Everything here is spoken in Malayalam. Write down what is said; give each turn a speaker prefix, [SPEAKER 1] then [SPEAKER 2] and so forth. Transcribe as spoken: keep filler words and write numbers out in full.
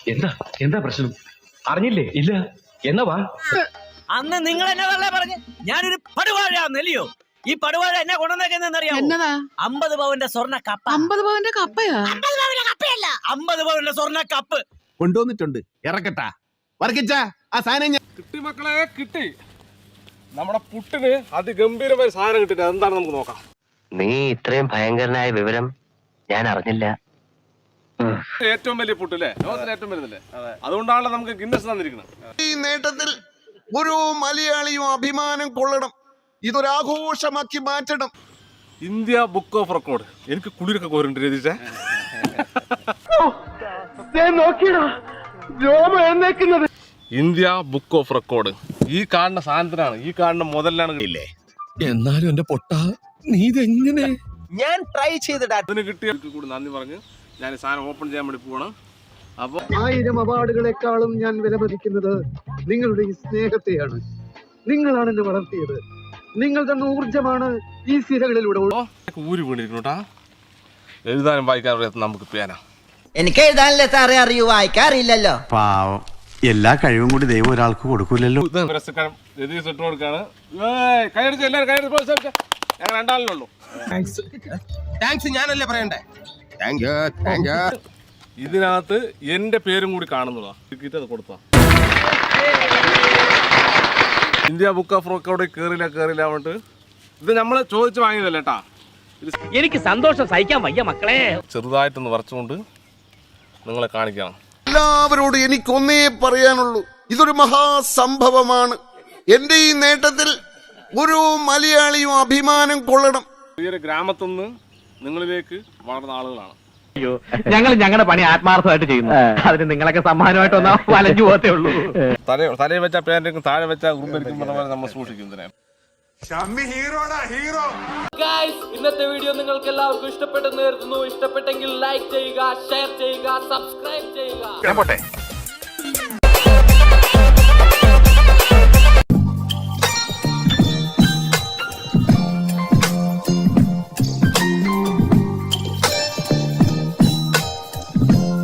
[SPEAKER 1] എന്താ എന്താ പ്രശ്നം? അറിഞ്ഞില്ലേ? ഇല്ല. എന്നാ വാ.
[SPEAKER 2] അന്ന് നിങ്ങൾ എന്നെ വെറുതെ പറഞ്ഞ് ഞാനൊരു പടുവാഴ നെല്ലിയോ? ഈ പടുവാഴ എന്നെ കൊണ്ടുവന്നേക്കുന്നറിയാമോ?
[SPEAKER 3] എന്നതാ?
[SPEAKER 2] അമ്പത് പവന്റെ സ്വർണ്ണ കപ്പ.
[SPEAKER 3] അമ്പത് പവന്റെ കപ്പയാ?
[SPEAKER 2] അമ്പത് പവന്റെ കപ്പയല്ല, അമ്പത് പവന്റെ സ്വർണ്ണ കപ്പ്
[SPEAKER 4] കൊണ്ടുവന്നിട്ടുണ്ട്. ഇറക്കട്ടാ വർക്കിച്ച ആ സാധനം ഞാൻ
[SPEAKER 5] കിട്ടി മക്കളെ, കിട്ടി. നമ്മുടെ പുട്ടിന് അതിഗംഭീരമായ സാധനം കിട്ടിട്ട് എന്താണ് നമുക്ക് നോക്കാം.
[SPEAKER 6] നീ ഇത്രയും ഭയങ്കരനായ വിവരം ഞാൻ അറിഞ്ഞില്ല.
[SPEAKER 5] ഏറ്റവും വലിയ പുട്ടല്ലേ, ലോകത്തിലെ ഏറ്റവും വലുതല്ലേ, അതുകൊണ്ടാണല്ലോ നമുക്ക് ഗിന്നസ് തന്നിരിക്കുന്നത്.
[SPEAKER 4] ഈ നേട്ടത്തിൽ ഒരു മലയാളിയും അഭിമാനം കൊള്ളണം. ഇതൊരാഘോഷമാക്കി മാറ്റണം.
[SPEAKER 5] India book of record. എനിക്ക് കുളിരൊക്കെ കോരുണ്ട് രതീഷേ. ഇന്ത്യ ബുക്ക് ഓഫ് റെക്കോർഡ് ഈ കാണുന്ന സാധനത്തിനാണ്, ഈ കാണുന്ന മുതലാണ് ഇല്ലേ.
[SPEAKER 7] എന്നാലും എന്റെ പൊട്ട നീ ഇതെങ്ങനെ?
[SPEAKER 2] ഞാൻ ട്രൈ ചെയ്തിടാ.
[SPEAKER 5] അതിന് കിട്ടിയ കൂടി നന്ദി പറഞ്ഞ് ഞാൻ ഈ സാധനം ഓപ്പൺ ചെയ്യാൻ വേണ്ടി പോവാണ്. അപ്പൊ
[SPEAKER 8] ആയിരം അവാർഡുകളെക്കാളും ഞാൻ വിലമതിക്കുന്നത് നിങ്ങളുടെ ഈ സ്നേഹത്തെയാണ്. നിങ്ങളാണ് എന്നെ വളർത്തിയത്. നിങ്ങൾ തന്ന ഊർജമാണ് ഈ സിരകളിലൂടെ
[SPEAKER 5] ഊരി വീണിരിക്കണോട്ടാ. എഴുതാനും വായിക്കാനും അറിയാത്ത നമുക്ക് പേന.
[SPEAKER 9] എനിക്ക് എഴുതാനല്ലേ സാറേ അറിയൂ, വായിക്കാറില്ലല്ലോ.
[SPEAKER 10] പാവം, എല്ലാ കഴിവും കൂടി ദൈവം ഒരാൾക്ക് കൊടുക്കൂലല്ലോ.
[SPEAKER 5] പുരസ്കാരം രതീഷ് ഇട്ട് കൊടുക്കാണ്. കൈയടിച്ച് എല്ലാവരും കൈയടിച്ച്. ഞങ്ങൾ രണ്ടാളിനുള്ളൂ.
[SPEAKER 4] താങ്ക്സ് ഞാനല്ലേ പറയണ്ടേ?
[SPEAKER 5] ഇതിനകത്ത് എന്റെ പേരും കൂടി കാണുന്നതാ. അത് കൊടുത്താ ഇന്ത്യ ബുക്ക് ഓഫ് റെക്കോർഡ് കേറില്ല കേറില്ല പറഞ്ഞിട്ട് ഇത് നമ്മള് ചോദിച്ചു വാങ്ങിയതല്ലേ കേട്ടാ.
[SPEAKER 2] എനിക്ക് സന്തോഷം സഹിക്കാൻ വയ്യ മക്കളെ.
[SPEAKER 5] ചെറുതായിട്ടൊന്ന് വരച്ചുകൊണ്ട് നിങ്ങളെ കാണിക്കണം.
[SPEAKER 4] എല്ലാവരോടും എനിക്കൊന്നേ പറയാനുള്ളൂ, ഇതൊരു മഹാസംഭവമാണ്. എന്റെ ഈ നേട്ടത്തിൽ ഒരു മലയാളിയും അഭിമാനം കൊള്ളണം.
[SPEAKER 5] ചെറിയൊരു ഗ്രാമത്തിൽ നിന്ന് നിങ്ങളിലേക്ക് വളർന്ന ആളുകളാണ്.
[SPEAKER 2] ഞങ്ങൾ ഞങ്ങളുടെ പണി ആത്മാർത്ഥമായിട്ട് ചെയ്യുന്നു. അതിന് നിങ്ങളൊക്കെ സമ്മാനമായിട്ട് വന്നാൽ വലഞ്ഞു പോകത്തേ ഉള്ളൂ.
[SPEAKER 5] തല തലയിൽ വെച്ച പേരക്കും താഴെ വെച്ച ഉറുമ്പരിക്കും നമ്മൾ സൂക്ഷിക്കും.
[SPEAKER 2] ഇന്നത്തെ വീഡിയോ നിങ്ങൾക്ക് എല്ലാവർക്കും ഇഷ്ടപ്പെട്ടെന്ന് കരുതുന്നു. ഇഷ്ടപ്പെട്ടെങ്കിൽ ലൈക്ക് ചെയ്യുക, ഷെയർ ചെയ്യുക, സബ്സ്ക്രൈബ് ചെയ്യുക.